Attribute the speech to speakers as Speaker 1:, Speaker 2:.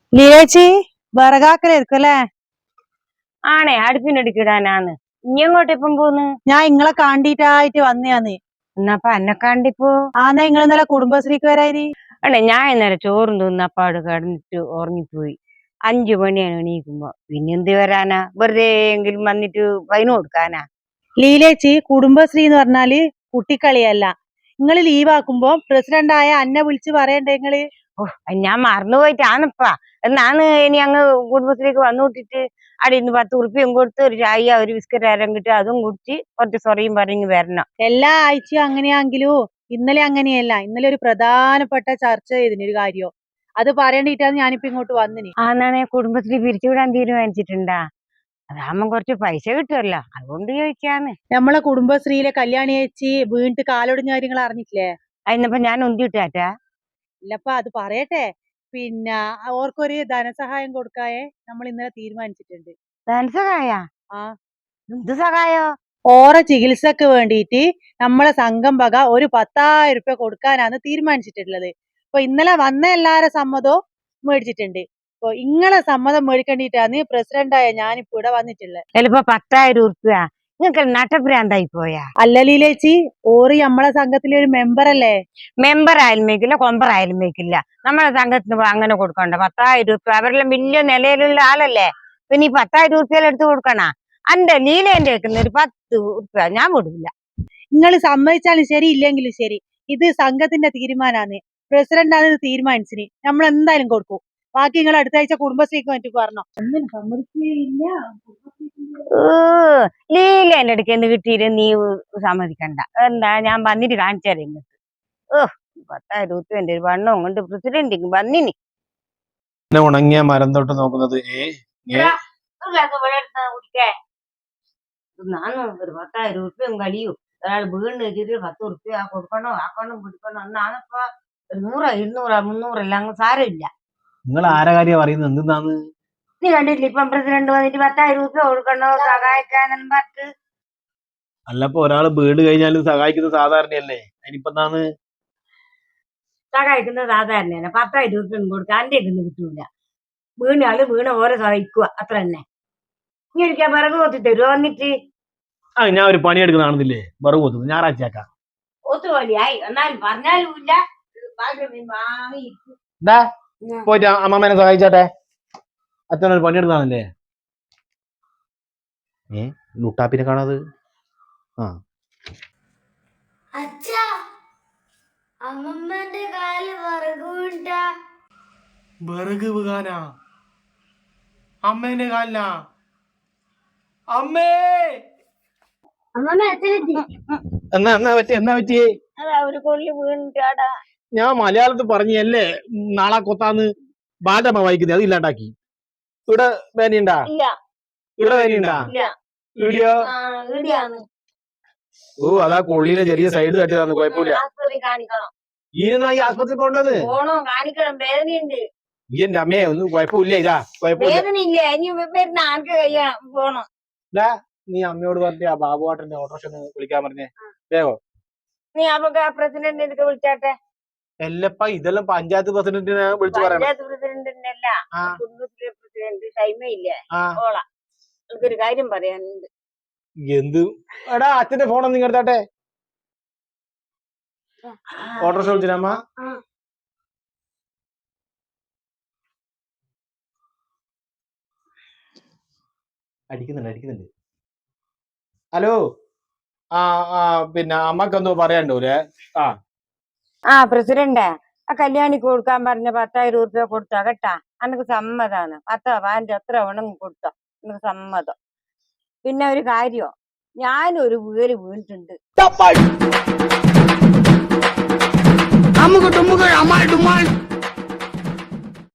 Speaker 1: ലിയേച്ചി വിറകാക്കലായിരിക്കും അല്ലേ?
Speaker 2: ആണേ അടുപ്പിനടുക്കിടാനാന്ന്. ഇനി എങ്ങോട്ട് ഇപ്പം പോന്ന്?
Speaker 1: ഞാൻ ഇങ്ങളെ കാണ്ടിട്ടായിട്ട് വന്നയാന്ന്.
Speaker 2: എന്നപ്പ എന്നെ കണ്ടിപ്പോ
Speaker 1: ആന്നാ നിങ്ങൾ ഇന്നലെ കുടുംബശ്രീക്ക് വരാനി?
Speaker 2: അല്ലേ ഞാൻ ഇന്നലെ ചോറും തിന്നപ്പാട് കിടന്നിട്ട് ഉറങ്ങിപ്പോയി. 5 മണിയാണ് എണീക്കുമ്പോ. പിന്നെ എന്ത് വരാനാ? വെറുതെ എങ്കിലും വന്നിട്ട് ഫൈന് കൊടുക്കാനാ?
Speaker 1: ലീലേച്ചി, കുടുംബശ്രീ എന്ന് പറഞ്ഞാല് കുട്ടിക്കളിയല്ല. നിങ്ങൾ ലീവാക്കുമ്പോ പ്രസിഡന്റായ അന്നെ വിളിച്ച് പറയണ്ടേ നിങ്ങള്?
Speaker 2: ഓ, ഞാൻ മറന്നുപോയിട്ടാണപ്പാ. എന്നാണ് ഇനി അങ്ങ് കുടുംബശ്രീക്ക് വന്നു വിട്ടിട്ട് അവിടെ ഇന്ന് 10 ഉറുപ്പ്യം കൊടുത്ത് ഒരു ചായ ഒരു ബിസ്ക്കറ്റ് ആരം കിട്ടും, അതും കുടിച്ച് കുറച്ച് സൊറയും പറഞ്ഞ് വരണം.
Speaker 1: എല്ലാ ആഴ്ചയും അങ്ങനെയാണെങ്കിലോ ഇന്നലെ അങ്ങനെയല്ല. ഇന്നലെ ഒരു പ്രധാനപ്പെട്ട ചർച്ച ചെയ്തിനൊരു കാര്യം. അത് പറയണ്ടിട്ടാണ് ഞാനിപ്പോ ഇങ്ങോട്ട് വന്നിന്.
Speaker 2: ആന്നാണെ കുടുംബശ്രീ പിരിച്ചുവിടാൻ തീരുമാനിച്ചിട്ടുണ്ടാ? അതാകുമ്പോ കുറച്ച് പൈസ കിട്ടുമല്ലോ, അതുകൊണ്ട് ചോദിക്കാന്ന്.
Speaker 1: നമ്മളെ കുടുംബശ്രീയിലെ കല്യാണി ചേച്ചി വീണിട്ട് കാലൊടിഞ്ഞ കാര്യങ്ങൾ അറിഞ്ഞിട്ടില്ലേ?
Speaker 2: അതിനപ്പോ ഞാൻ ഒന്തിട്ടാറ്റാ?
Speaker 1: ഇല്ലപ്പാ, അത് പറയട്ടെ. പിന്നെ ഓർക്കൊരു ധനസഹായം കൊടുക്കായെ നമ്മൾ ഇന്നലെ തീരുമാനിച്ചിട്ടുണ്ട്.
Speaker 2: ധനസഹായ?
Speaker 1: ആ,
Speaker 2: എന്ത് സഹായോ?
Speaker 1: ഓറെ ചികിത്സക്ക് വേണ്ടിയിട്ട് നമ്മളെ സംഘം വക ഒരു 10,000 രൂപ കൊടുക്കാനാണ് തീരുമാനിച്ചിട്ടുള്ളത്. അപ്പൊ ഇന്നലെ വന്ന എല്ലാരെ സമ്മതവും മേടിച്ചിട്ടുണ്ട്. അപ്പൊ ഇങ്ങളെ സമ്മതം മേടിക്കേണ്ടിട്ടാണ് പ്രസിഡന്റായ ഞാനിപ്പോ ഇവിടെ വന്നിട്ടുള്ളത്.
Speaker 2: ചിലപ്പോ 10,000 ഉറുപ്പ്യ നിങ്ങൾക്ക് നട്ടഭ്രാന്തായി പോയാ?
Speaker 1: അല്ല ലീലേച്ചി, ഓറ് നമ്മളെ സംഘത്തിലെ ഒരു മെമ്പർ അല്ലേ?
Speaker 2: മെമ്പർ ആയാലും മേക്കില്ല, കൊമ്പർ ആയാലും മേക്കില്ല. നമ്മളെ സംഘത്തിന് അങ്ങനെ കൊടുക്കണ്ട. 10,000 ഉറുപ്പ്യ അവരെല്ലാം വലിയ നിലയിലുള്ള ആളല്ലേ. പിന്നെ ഈ 10,000 ഉറുപ്പ്യ എടുത്ത് കൊടുക്കണ? അന്റെ നീലേന്റെ ഒരു 10 ഉറുപ്പ്യ ഞാൻ കൊടുക്കില്ല.
Speaker 1: നിങ്ങൾ സമ്മതിച്ചാലും ശരി, ഇല്ലെങ്കിലും ശരി, ഇത് സംഘത്തിന്റെ തീരുമാനമാണ്. പ്രസിഡന്റാണ് ഇത് തീരുമാനിച്ചിന്. നമ്മൾ എന്തായാലും കൊടുക്കും. ബാക്കി നിങ്ങൾ അടുത്ത ആഴ്ച കുടുംബശ്രീക്ക് വേണ്ടി പറഞ്ഞോ. ഒന്നും സമ്മതിക്കില്ല.
Speaker 2: ലീലേന്റെ അടുക്ക് എന്ത് കിട്ടിയിട്ട് നീ സമ്മതിക്കണ്ട. എന്താ ഞാൻ വന്നിട്ട് കാണിച്ചാലേ നിങ്ങൾക്ക്. 10,000 ഉറുപ്പ്യന്റെ ഒരു വണ്ണവും കൊണ്ട് പ്രസിഡന്റിങ് വന്നിനി.
Speaker 3: ഉണങ്ങിയ മരം തൊട്ട് നോക്കുന്നത്
Speaker 2: നാനും ഒരു 10,000 ഉറുപ്പ്യം കഴിയൂ. ഒരാൾ വീണ് വെച്ചിട്ട് 10 ഉറുപ്പ്യ കൊടുക്കണോ ആക്കണോ പിടിക്കണോ എന്നാണിപ്പോ 100, 200, 300 എല്ലാം സാരമില്ല.
Speaker 3: നിങ്ങൾ ആരെ കാര്യം പറയുന്നത്? എന്തിനാന്ന്
Speaker 2: നീ കണ്ടിട്ടില്ല ഇപ്പം പ്രസിഡന്റ് വന്നിട്ട് 10,000 ഉറുപ്പ്യ കൊടുക്കണോ സഹായിക്കാനും പറഞ്ഞ്?
Speaker 3: അല്ലപ്പോ ഒരാള് വീട് കഴിഞ്ഞാലും സഹായിക്കുന്നത് സാധാരണയല്ലേ? അതിനിപ്പോ എന്താണ്
Speaker 2: സഹായിക്കുന്നത്? സാധാരണയാണ്. 10,000 ഉറുപ്പ്യം കൊടുക്കുക, അന്റെ ഒന്നും കിട്ടൂല. വീണാള് വീണ ഓരോ സഹായിക്കുക, അത്ര തന്നെ. നീ ഒരിക്കൽ വിറക് കൊത്തി തരുമോ വന്നിട്ട്?
Speaker 3: ഞാൻ ഒരു പണിയെടുക്കുന്ന കാണുന്നില്ലേ? വെറുതെ കൊത്തുന്നു. ഞായറാഴ്ച ആക്കാം.
Speaker 2: ഒത്തുപോലെയായി എന്നാലും പറഞ്ഞാലും ഇല്ല.
Speaker 3: പോയിട്ട് അമ്മമ്മേനെ സഹായിച്ചാട്ടെ. അച്ഛനൊരു പണിയെടുക്കുന്നതാണല്ലേ. ലുട്ടാപ്പിനെ കാണാത്. വിറക് വീകാനാ? അമ്മേന്റെ കാലിനാ? അമ്മേ എന്നാ പറ്റിയേ?
Speaker 2: ഒരു കൊള്ളി വീണിട്ടാടാ.
Speaker 3: ഞാൻ മലയാളത്തിൽ പറഞ്ഞല്ലേ നാളെ കൊത്താന്ന് ബാലമ്മ വായിക്കുന്നത്, അത് ഇല്ലാണ്ടാക്കി. ഇവിടെ വേനയുണ്ടാ? ഇവിടെ വേനയുണ്ടാ? ഇവിടെയോ? ഓ, അതാ കൊള്ളിനെ ചെറിയ സൈഡ് തട്ടിയതാന്ന്. കുഴപ്പമില്ല. ഈ ആസ്പത്രി പോണ്ടത്
Speaker 2: കാണിക്കണം, വേദനയുണ്ട്.
Speaker 3: ഈ എന്റെ അമ്മയെ ഒന്നും കുഴപ്പമില്ല. ഇതാ കുഴപ്പമില്ല. നീ അമ്മയോട് പറഞ്ഞ ആ ബാബുവാട്ടന്റെ ഓട്ടോറിക്ഷ വിളിക്കാൻ പറഞ്ഞേ വേഗോ.
Speaker 2: നീ അപ്പൊ പ്രസിഡന്റ് എടുത്ത് വിളിച്ചാട്ടെ.
Speaker 3: എല്ലപ്പ ഇതെല്ലാം പഞ്ചായത്ത് പ്രസിഡന്റിനെ വിളിച്ചു പറയാം.
Speaker 2: പഞ്ചായത്ത് പ്രസിഡന്റിനല്ല, കുടുംബശ്രീ പ്രസിഡന്റ് ടൈമയില്ലേ ഓളാ. എനിക്കൊരു കാര്യം പറയാനുണ്ട്.
Speaker 3: എന്ത്? എടാ, അച്ഛന്റെ ഫോണൊന്നും നിങ്ങൾ എടുത്താട്ടെ. ഓട്ടോറിക്ഷ വിളിച്ചിട്ടമ്മ. അടിക്കുന്നുണ്ട്. ഹലോ. പിന്നെ അമ്മക്കെന്തോ പറയാണ്ടൂലേ?
Speaker 2: പ്രസിഡന്റ്, ആ കല്യാണിക്ക് കൊടുക്കാൻ പറഞ്ഞ 10,000 ഉറുപ്പ്യ കൊടുത്താ കേട്ടാ. എനിക്ക് സമ്മതാണ്. 10 15 എത്ര വേണമെങ്കിൽ കൊടുത്തോ, എനിക്ക് സമ്മതം. പിന്നെ ഒരു കാര്യോ, ഞാനൊരു വീട് വീണിട്ടുണ്ട്.